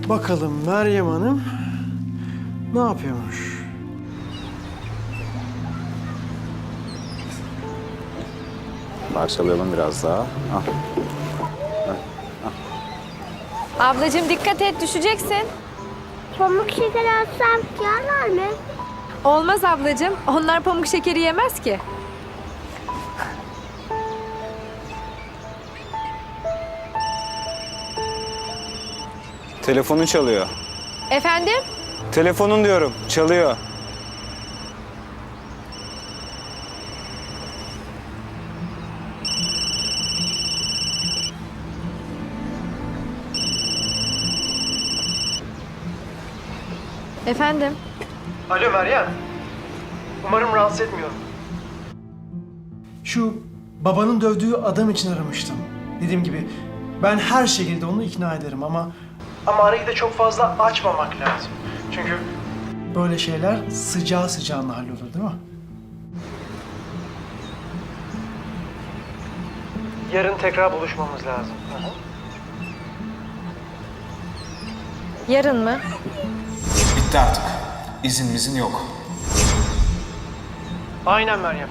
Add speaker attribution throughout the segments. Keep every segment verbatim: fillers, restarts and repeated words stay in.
Speaker 1: Bakalım Meryem Hanım ne yapıyormuş?
Speaker 2: Parçalayalım biraz daha. Ah.
Speaker 3: Ablacığım dikkat et, düşeceksin.
Speaker 4: Pamuk şeker alsam yerler mi?
Speaker 3: Olmaz ablacığım, onlar pamuk şekeri yemez ki.
Speaker 2: Telefonun çalıyor.
Speaker 3: Efendim?
Speaker 2: Telefonun diyorum, çalıyor.
Speaker 3: Efendim?
Speaker 1: Alo Meryem. Umarım rahatsız etmiyorum. Şu babanın dövdüğü adam için aramıştım. Dediğim gibi ben her şekilde onu ikna ederim ama... Ama arayı da çok fazla açmamak lazım. Çünkü böyle şeyler sıcağı sıcağına hallolur değil mi? Yarın tekrar buluşmamız lazım. Hı hı.
Speaker 3: Yarın mı?
Speaker 5: Bitti artık. İzin mizin yok.
Speaker 1: Aynen Meryem.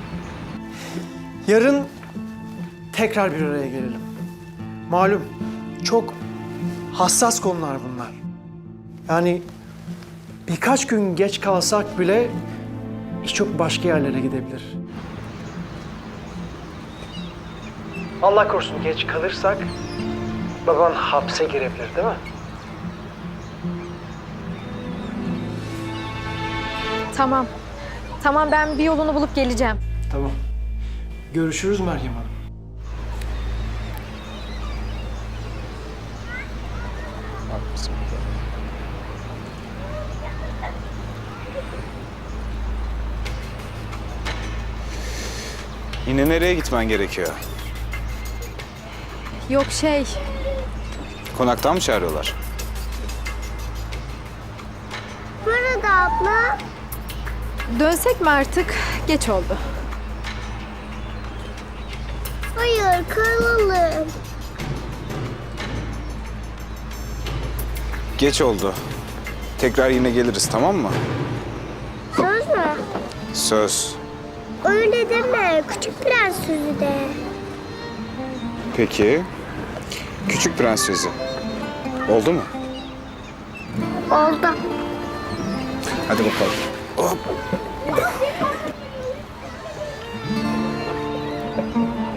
Speaker 1: Yarın tekrar bir araya gelelim. Malum çok hassas konular bunlar. Yani birkaç gün geç kalsak bile iş çok başka yerlere gidebilir. Allah korusun geç kalırsak baban hapse girebilir değil mi?
Speaker 3: Tamam. Tamam, ben bir yolunu bulup geleceğim.
Speaker 1: Tamam. Görüşürüz Meryem Hanım.
Speaker 2: Yine nereye gitmen gerekiyor?
Speaker 3: Yok şey,
Speaker 2: Konaktan mı çağırıyorlar?
Speaker 4: Burada abla.
Speaker 3: dönsek mi artık? Geç oldu.
Speaker 4: Hayır kalalım.
Speaker 2: Geç oldu. Tekrar yine geliriz, tamam mı?
Speaker 4: Söz mü?
Speaker 2: Söz.
Speaker 4: Öyle deme. Küçük prens sözü de.
Speaker 2: Peki. Küçük Prens sözü. Oldu mu?
Speaker 4: Oldu.
Speaker 2: Hadi bakalım. Hop.